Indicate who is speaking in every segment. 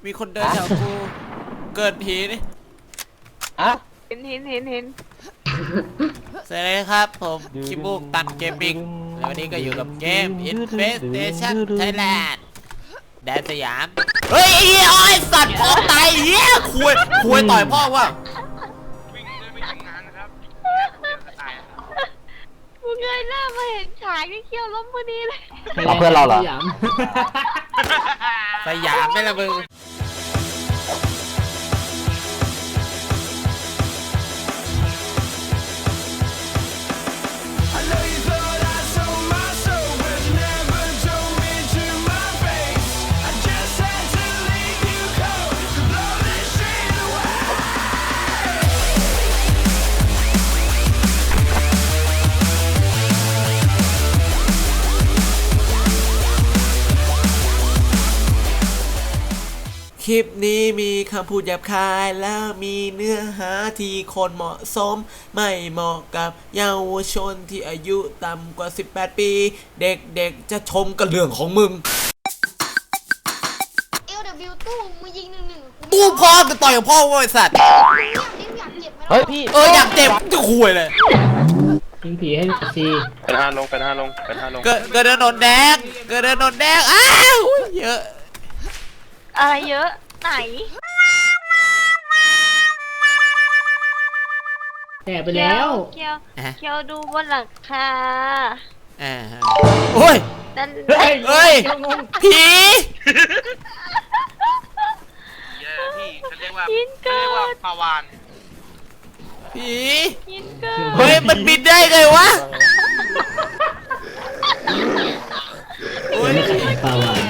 Speaker 1: มีคนเดินแถวกูเกิดผีนี่
Speaker 2: อะ
Speaker 3: เห็น
Speaker 1: สวัสดีครับผมคิมูกตันเกมมิ่งแล้ววันนี้ก็อยู่กับเกม Infestation Thailand แดนสยามเฮ้ยไอ้สัตว์พ่อตายเหี้ยคุยต่อยพ่อว่ะ
Speaker 3: มึงเงยหน้ามาเห็นฉากที่เคี้ยวล้มพอดีเลย
Speaker 2: เอาเพื่อนเราเหรอ
Speaker 1: สยามไม่ละมึงคลิปนี้มีคำพูดหยาบคายแล้วมีเนื้อหาที่คนเหมาะสมไม่เหมาะกับเยาวชนที่อายุต่ำกว่า18ปีเด็กๆจะชมกับเรื่องของมึง
Speaker 4: ตู้มึงยิง1-1
Speaker 1: ตู้พ่อจะต่อยกับพ่อว่าไอ้สัตว์
Speaker 2: เฮ้ยพี่
Speaker 1: อยากเจ็บจะคุยเลย
Speaker 2: ยิงผีให้ซี
Speaker 5: เป็น5 ลง
Speaker 1: เกิดโดนแดงอ้าวเยอะ
Speaker 3: อะไรเยอะไหน
Speaker 2: แต่ไปแล้ว
Speaker 3: เคียวดูบนหลังคา
Speaker 1: โอ้ย
Speaker 3: นั่น
Speaker 1: เฮ้ยผี
Speaker 5: พี่เขาเรียกว่าปลาวาน
Speaker 1: ผีเฮ้ยมันบินได้ไงวะ
Speaker 2: โอ้ยปลาวาน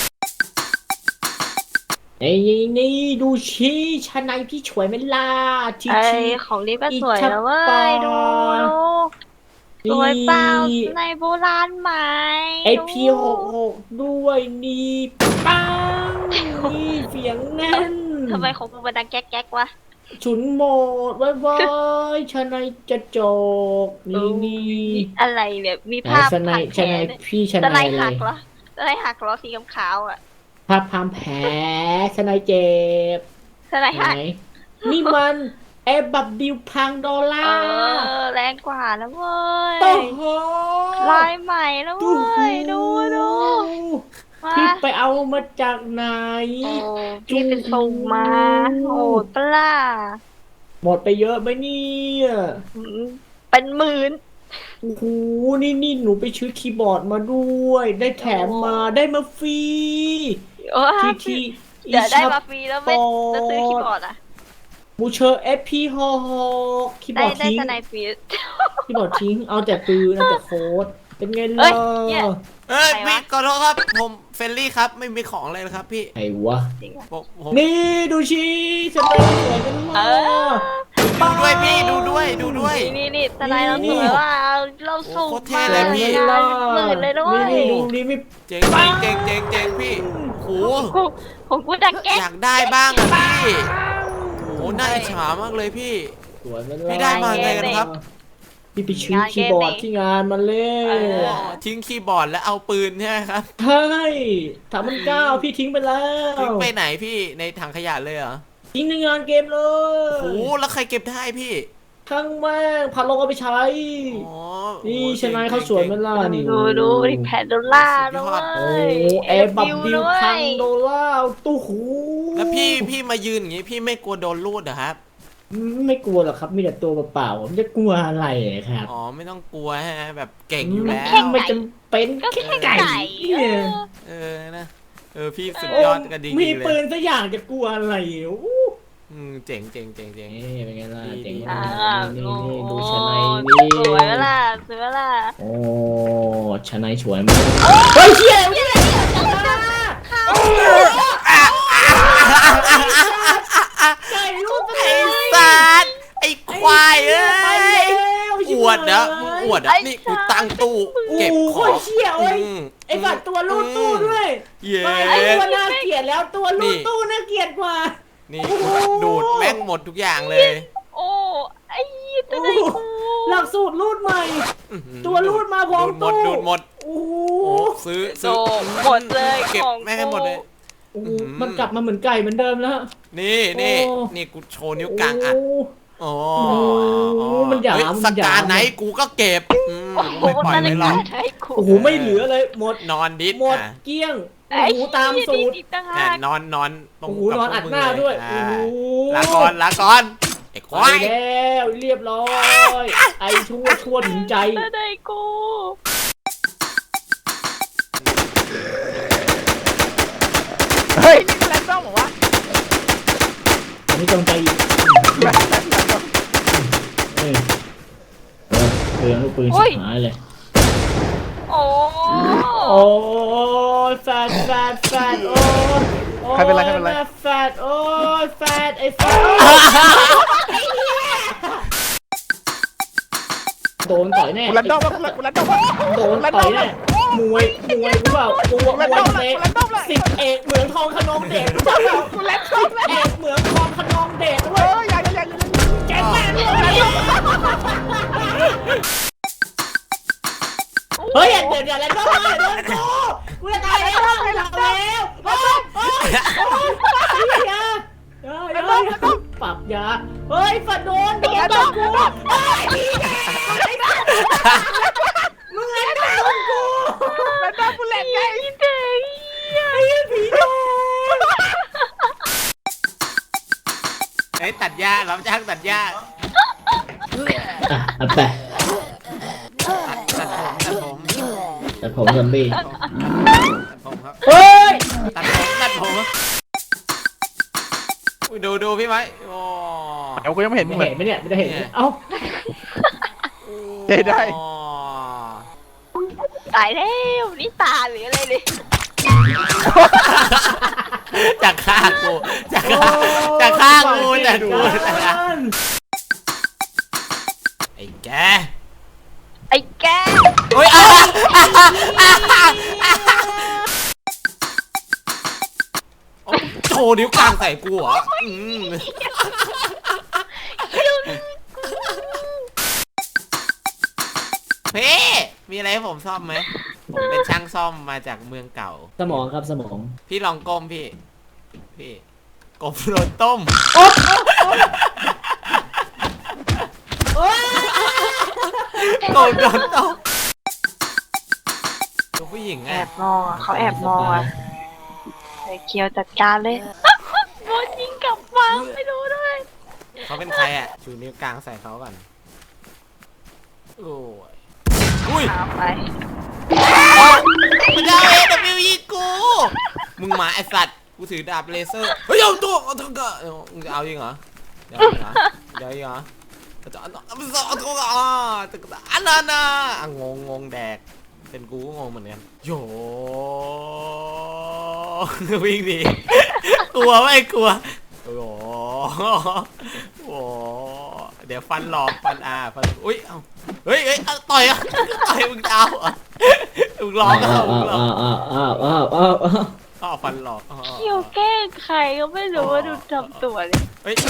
Speaker 2: ไอ้นี่ดูชี้ชั้นในพี่ช่วยไม่ล่า
Speaker 3: ชี้ของนี้ก็สวยแล้วเว้ยดูสวยเปล่าในโบราณไหม
Speaker 2: ไอพี66ด้วยนี่ปังนี่เสียงแน่น
Speaker 3: ทำไมของมึงมันดังแก๊กวะ
Speaker 2: ฉุนโหมดว้ายชั้นในจะจกนี่
Speaker 3: อะไรเนี่ยมีภาพ
Speaker 2: ชั้นในพี่ชั้นใน
Speaker 3: หักเหรอชั้นในหักเหรอสีขาวอ่ะ
Speaker 2: ภาพพามแผลสไนเจ็บ
Speaker 3: สไนหัก
Speaker 2: นี่มันแอบบับบิวพังดอลลาร์
Speaker 3: แรงกว่าแล้วเว้ย
Speaker 2: โอ้โห
Speaker 3: ลายใหม่แล้วเว้ยดู
Speaker 2: พี่ไปเอามาจากไหน
Speaker 3: พี่ไปส่งมาโอ้ปลา
Speaker 2: หมดไปเยอะไหมเนี่ย
Speaker 3: เป็นหมื่น
Speaker 2: โอ้โหนี่หนูไปซื้อคีย์บอร์ดมาด้วยได้แถมมาได้มาฟรี
Speaker 3: ที่เดี๋ยวได้มาฟรีแล้วไม่จะซื้อคีย์บอร์ดอ่ะ
Speaker 2: บูเชอร์ FP66คีย์บอร์ดทิ้งคีย์บอร์ดทิ้งเอาแต่ปืนเอาแต่โค้ดเป็นไงล่ะ
Speaker 1: พี่ขอโทษครับผมเฟรนลี่ครับไม่มีของเลยนะครับพี่
Speaker 2: ไอ้วะนี่ดูชีสไลด์สวยกันมาก
Speaker 1: ดูด้วยพี่ดูด้วย
Speaker 3: นี่สไลด์เราสวยว่าเราสูงมากเลยพี่หมื่นเลยด้วย
Speaker 2: นี่ดูนี่ไม่
Speaker 1: เจ๋งพี่โห
Speaker 3: ของกูดังแก๊ก
Speaker 1: อยากได้บ้างอ่ะพี่โหน่าอิจฉามากเลยพี่พี่ได้มาไงกันครับ
Speaker 2: พี่ไปชิ้นคีย์บอร์ดที่งานมาเล่
Speaker 1: ทิ้งคีย์บอร์ดแล้วเอาปืนใช่ไหมครับ
Speaker 2: ใช่3,900พี่ทิ้งไปแล้ว
Speaker 1: ทิ้งไปไหนพี่ในถังขยะเลยเหรอ
Speaker 2: ทิ้งในงานเกมเลย
Speaker 1: โอ้แล้วใครเก็บได้พี่
Speaker 2: ทั้งแม่งพันลงเอาไปใช้นี่ชนะเขาสวยมันล่ะนี่
Speaker 3: ดูแผ่นดอลลาร์ด้วย
Speaker 2: แอบบับบิวพันดอลลาร์ตู้หู
Speaker 1: แล้วพี่มายืนอย่างงี้พี่ไม่กลัวโดนลูดเหรอครับ
Speaker 2: ไม่กลัวหรอกครับมีแต่ตัวเปล่าผมจะกลัวอะไรครับ
Speaker 1: อ๋อไม่ต้องกลัวฮะแบบเก่งอยู่แล้ว
Speaker 2: ไม่จำเป็นแค่ไก่
Speaker 1: นะพี่สุดยอดกันดีเลย
Speaker 2: มีปืนสักอย่างจะกลัวอะไร
Speaker 1: เจ๋ง
Speaker 2: เป็นไงล่ะเจ๋ง
Speaker 3: นี่
Speaker 2: ดูชนายนี่
Speaker 3: สวยล่ะ
Speaker 2: โอ้ชนายสวยมากเฮ้ยเชี่ยไก่ลูก
Speaker 1: ไอ้สัตว์ไอ้ควายอวดนะมึงอวดนี่กูตั้งตู้เก็บของ
Speaker 2: เชี่ยไอ้บัตรตัวลูกตู้ด้วยไอ้ตัวน่าเกลียดแล้วตัวลูกตู้น่าเกลียดกว่า
Speaker 1: นี่ดูดแม่งหมดทุกอย่างเลย
Speaker 3: โอ้ไอ้ตัวไหน
Speaker 2: หลักสูตรรูดใหม่ตัวรูดมาพร้อมตู้
Speaker 1: ดูดหมด
Speaker 2: โอ้
Speaker 1: ซื้อ
Speaker 3: หมดเลย
Speaker 1: เก็บแม่งให้หมดเลย
Speaker 2: โอ้โหมันกลับมาเหมือนไก่เหมือนเดิมแล้ว
Speaker 1: นี่
Speaker 2: โอ้
Speaker 1: นี่กูโชว์นิ้วกลางอ่ะ โอ้
Speaker 2: โอ้มันหยาม
Speaker 1: เฮ้
Speaker 2: มันหยาม
Speaker 1: สการไหนกูก็เก็บ
Speaker 3: โอ้โห
Speaker 1: ไม่ปล่อย
Speaker 3: นั่น
Speaker 1: ไม่
Speaker 3: เลย
Speaker 1: หรอก
Speaker 3: ใช่กู
Speaker 2: โอ้โหไม่เหลือเลยหมด
Speaker 1: นอนดิส
Speaker 2: หมด
Speaker 1: อ่ะ
Speaker 2: เกลี้ยง
Speaker 3: ไอ้
Speaker 2: โอ้โหตามสูตร
Speaker 3: อีกต่าง
Speaker 1: อ่ะ
Speaker 3: หาก
Speaker 1: นอนตรง
Speaker 2: โอ้โห
Speaker 1: กับ
Speaker 2: นอนอัด
Speaker 1: พกมึง
Speaker 2: หน้าด้วย
Speaker 1: เล
Speaker 2: โอ้โห
Speaker 1: ลาก่อนไอ้ควา
Speaker 2: ไป
Speaker 1: ย
Speaker 2: แล้วเรียบร้อย ไอ้ชั่วถึงใจ
Speaker 3: นั่นเลยกู
Speaker 5: เฮ้ยนี่แรนดอมเหรอวะ
Speaker 2: อันนี้จงใจอีกเออเปลืองลูกปืนชิบหายเลย
Speaker 3: โอ้
Speaker 2: โอ้ยแฟดโอ้ย
Speaker 5: ใครเป็นไรใครเป็นไร
Speaker 2: แม่แฟดโอ้ยแฟดไอ้แฟดโดนต่อยแน่
Speaker 5: กูแรนดอมวะกูแรนดอมวะ
Speaker 2: โดนต่อยแน่มวยกูเปล่ามวยเตะสิบเอกเหมืองทองขนองเดชรู้จักเปล่า
Speaker 5: กูแรนดอม
Speaker 2: เอกเหมืองทองขนองเดชด้ว
Speaker 5: เฮ้
Speaker 2: ย
Speaker 5: ยอย่า
Speaker 2: แกงแม่ด้วยเฮ้ยเดี๋ยวแล้วก็มาโดนกูจะตายแล้วไม่หลับแล้วเฮ้ยปรับยาเฮ้ยฝันโดนกูมึงเล่นโดนกู
Speaker 5: แรนดอมกูแรนไง
Speaker 3: อีเด็ก
Speaker 2: ไอ้ผีโดน
Speaker 1: ไอ้ตัดหญ้ารับจ้างตัดหญ้า
Speaker 2: อัดไป
Speaker 1: ตัดผม
Speaker 2: แต่ผมซอมบี้
Speaker 1: ตัดผมครับ
Speaker 2: เฮ้ย
Speaker 1: ตัดผมอุ๊ยดูพี่ไหมโอ้
Speaker 5: เดี๋ยวกูยังไม่เห็นมึงเลย
Speaker 2: เห็นไหมเนี่ยไม่ได้เห็นเอ้า
Speaker 5: เจ๊ได้
Speaker 1: อ๋อ
Speaker 3: ตายแล้วนี่ตาหรืออะไรเลย
Speaker 1: จากฆ่ากูจากฆ่ากูไอ้แก
Speaker 3: ไอ้แก
Speaker 1: โอ้ยโชว์นิ้วกลางใส่กูเหรอพี่มีอะไรให้ผมซ่อมไหมผมเป็นช่างซ่อมมาจากเมืองเก่า
Speaker 2: สมองครับสมอง
Speaker 1: พี่ลองก้มพี่กบโดนต้มกบโดนต้มตัวผู้หญิง
Speaker 3: แอ
Speaker 1: อ่ะ
Speaker 3: บมองอ่ะเขาแอบมองอ่ะไอ้เคียวจัดการเลยโดนยิงกลับมาไม่รู้ด้วย
Speaker 1: เขาเป็นใครอ่ะชูนิ้วกลางใส่เขาก่อนโอ้ยอุ้ย
Speaker 3: เอาไป
Speaker 1: มันจะเอาAW ยิงกูมึงหมาไอสัตว์กูถือดาบเลเซอร์เฮ้ยเอาตัวเอาตัวก็มึงจะเอายิงเหรอเดี๋ยวยิงเหรอจะเอาตัวอันนั้นนะงงแดกเป็นกูก็งงเหมือนกันโยวิ่งหนีกลัวไม่กลัวโอ้โหเดี๋ยวฟันหลอกฟันฟันอุ้ยเอาเฮ้ยต่อยมึงจะเอามึงร้องฟันหลอก
Speaker 3: เคียวแกล้งใครก็ไม่รู้ว่าดูทำตัวเลย
Speaker 1: เฮ้ย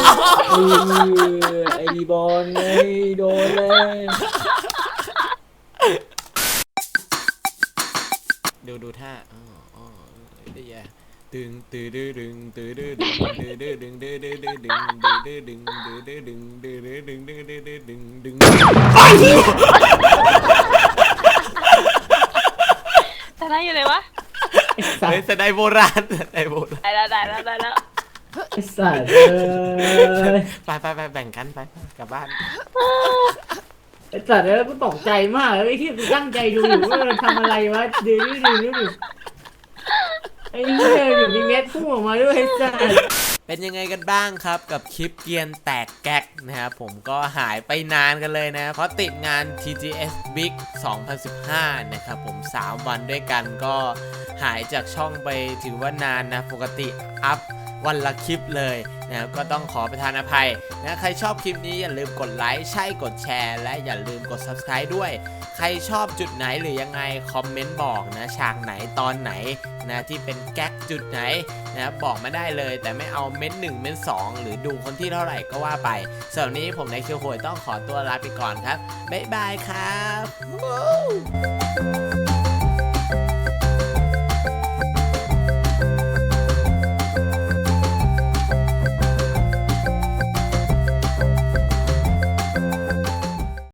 Speaker 2: ไอ้บอลเลยโดนเลย
Speaker 1: ดูท่าได้ยาดึงดึง
Speaker 3: แต่น่าอยู่ไหนวะ
Speaker 1: เฮ้ยสไนโบราณ
Speaker 3: ได้แล้ว
Speaker 2: ไอ้สัตว์
Speaker 1: ไปแบ่งกันไปกลับบ้าน
Speaker 2: ไอ้สัตว์แล้วกูตกใจมากเลยที่กูตั้งใจดูอยู่ว่ามันทำอะไรวะดูไอ้เนี่ยอยู่มีเม็ดพุ่งออกมาด้วยไอ้สัตว์
Speaker 1: เป็นยังไงกันบ้างครับกับคลิปเกียนแตกแก๊กนะครับผมก็หายไปนานกันเลยนะเพราะติดงาน TGS Big 2015นะครับผม3วันด้วยกันก็หายจากช่องไปถือว่านานนะปกติอัพวันละคลิปเลยนะครับก็ต้องขอประทานอภัยนะใครชอบคลิปนี้อย่าลืมกดไลค์ใช่กดแชร์และอย่าลืมกด Subscribe ด้วยใครชอบจุดไหนหรือยังไงคอมเมนต์บอกนะฉากไหนตอนไหนนะที่เป็นแก๊กจุดไหนนะบอกมาได้เลยแต่ไม่เอาเม้น1เม้น2หรือดูคนที่เท่าไหร่ก็ว่าไปสำหรับนี้ผมในคิวโหยต้องขอตัวลาไปก่อนครับบ๊ายบายครับ